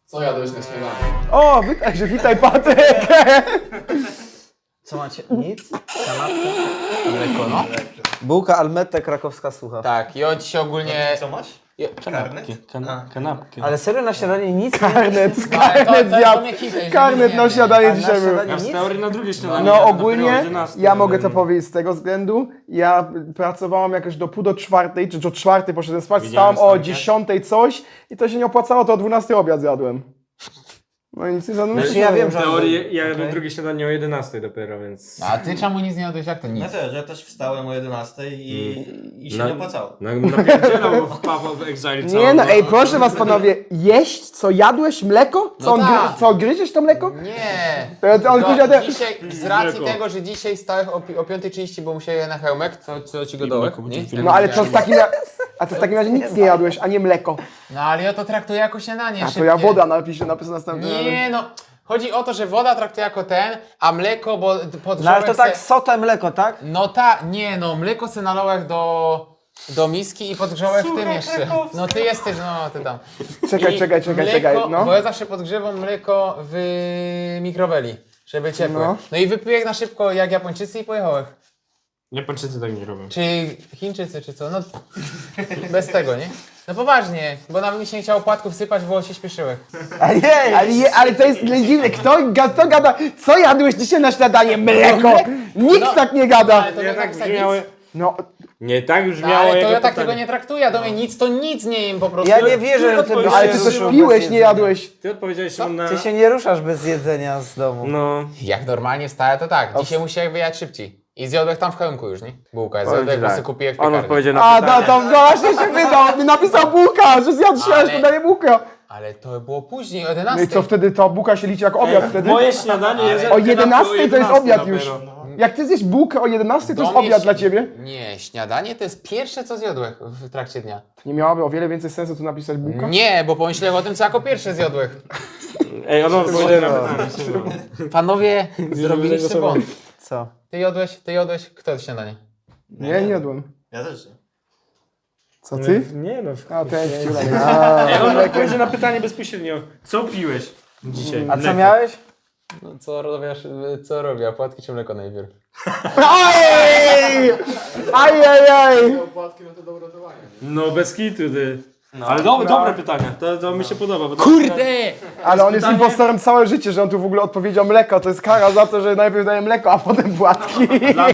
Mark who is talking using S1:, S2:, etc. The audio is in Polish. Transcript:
S1: Co jadłeś na śniadanie?
S2: O, witaj Patryk!
S3: Co macie? Nic? Kanapka?
S1: Mleko, no.
S3: Bułka Almette krakowska sucha.
S1: Tak, i on ci ogólnie...
S4: Co masz?
S5: Kanapki. Kanapki.
S3: Ale serio na śniadanie nic?
S2: Karnet
S1: to
S2: zjadł.
S1: mnie hitej,
S2: Karnet na śniadanie
S3: A na
S2: dzisiaj był.
S3: śniadanie
S5: Ja w
S3: nic?
S5: teorii na drugie śniadanie.
S2: No
S5: jadłem,
S2: ogólnie,
S5: dopiero o 11,
S2: ja mogę to
S5: jadłem.
S2: powiedzieć z tego względu, ja pracowałam jakoś do pół do czwartej, czy do czwartej poszedłem spać,
S5: Widziałem
S2: wstałem o
S5: stąd, nie?
S2: 10 coś i to się nie opłacało, to o 12 obiad zjadłem. No i nic nie zjadłem.
S3: Znaczy ja wiem,
S5: W
S3: że...
S5: teorii ja jadłem
S3: Okej.
S5: drugie śniadanie o 11 dopiero, więc...
S1: A ty czemu nic nie jadłeś? Jak to nic?
S4: Ja też wstałem o 11 i się
S5: No.
S4: nie opłacało.
S5: Napierdzielał w Paweł w Exile
S2: Nie
S5: całą
S2: no, ej,
S5: noc.
S2: proszę was panowie, jeść, co jadłeś, mleko? Co,
S1: No tak.
S2: co gryziesz to mleko?
S1: Nie!
S2: To on powiedział, że-
S1: Dzisiaj, z racji
S5: Mleko.
S1: tego, że dzisiaj stałeś o 5:30, bo musiałem jechać na hełmek, co ci go dołek,
S5: mleko
S1: nie?
S5: będzie
S2: No ale to w takim a to w takim razie nic nie jadłeś, a nie mleko.
S1: No ale ja to traktuję jako śniadanie
S2: A to
S1: szybkie.
S2: ja woda napiszę następnym razem.
S1: Nie no, chodzi o to, że woda traktuję jako ten, a mleko, bo podgrzałem
S3: No ale to tak
S1: se...
S3: sotę mleko, tak?
S1: No nie no, mleko se nalałem do miski i podgrzałem w tym jeszcze. No ty jesteś, no ty tam.
S2: Czekaj,
S1: I
S2: czekaj,
S1: mleko,
S2: no.
S1: Bo ja zawsze podgrzewam mleko w mikroweli, żeby ciepłe.
S2: No.
S1: No i wypiłem na szybko jak Japończycy i pojechałem.
S5: Japończycy tak nie robią.
S1: Czy Chińczycy, czy co? No bez tego, nie? No poważnie, bo nawet mi się nie chciało płatków sypać, bo się śpieszyłem.
S2: Ale to jest dziwne, kto gada, co jadłeś dzisiaj na śniadanie? Mleko! Nikt
S1: No,
S2: tak nie gada!
S1: Ale to
S5: Nie
S1: nie
S5: tak
S1: tak
S5: brzmiało...
S2: No,
S5: Nie tak
S1: No,
S5: brzmiało
S1: ale to
S5: jego
S1: ja tak
S5: pytanie.
S1: tego nie traktuję, do mnie nic to nic nie jem po prostu.
S3: Ja nie wierzę, że ty byś
S2: no ale
S3: się
S2: ty coś
S3: ruszył bez
S2: piłeś, nie
S3: jedzenia.
S2: jadłeś.
S5: Ty odpowiedziałeś na...
S3: Ty się nie ruszasz bez jedzenia z domu.
S5: No...
S1: Jak normalnie wstałem, to tak. Dzisiaj musiałem wyjechać szybciej. I zjadłem tam w hełmku już, nie? Bułka,
S5: Powiem
S1: zjadłem,
S5: ci
S1: bo
S5: tak.
S1: sobie kupiłem w
S5: On
S1: piekarni.
S5: odpowiedział na
S2: A,
S5: pytanie.
S2: to właśnie się wydał, napisał bułka, że zjadł się,
S1: Ale-
S2: to daje bułka.
S1: Ale to było później, o
S2: No
S1: 11.
S2: i co wtedy, to bułka się liczy jako obiad wtedy?
S5: Moje śniadanie jest...
S2: O 11 to jest obiad
S5: dopiero.
S2: już. Jak ty zjesz bułkę o 11 to
S1: Do
S2: jest
S1: mnie
S2: obiad
S1: się-
S2: dla ciebie?
S1: Nie, śniadanie to jest pierwsze, co zjadłem w trakcie dnia.
S2: Nie miałoby o wiele więcej sensu tu napisać bułka?
S1: Nie, bo pomyślałem o tym, co jako pierwsze zjadłem.
S5: Ej, on odpowiedział na pytanie.
S1: Panowie, zrobiliście
S5: zagłosował.
S1: błąd.
S3: Co?
S1: Ty jadłeś, kto to śniadanie?
S2: Nie, nie jadłem.
S4: Ja też nie.
S2: Co ty?
S5: Nie no...
S2: A, ten wciulek.
S5: Ej, on odpowiedział na pytanie bezpośrednio. Co piłeś dzisiaj?
S3: A co
S5: Mleko.
S3: miałeś?
S1: No co robię? Płatki czy mleko najpierw?
S2: Ajej! Ajajaj!
S1: Płatki no to do uratowania.
S5: No bez kitu, ty. Ale dobre pytania, to mi się podoba. Bo to...
S1: Kurde!
S2: Ale on jest impostorem całe życie, że on tu w ogóle odpowiedział mleko. To jest kara za to, że najpierw daje mleko, a potem płatki.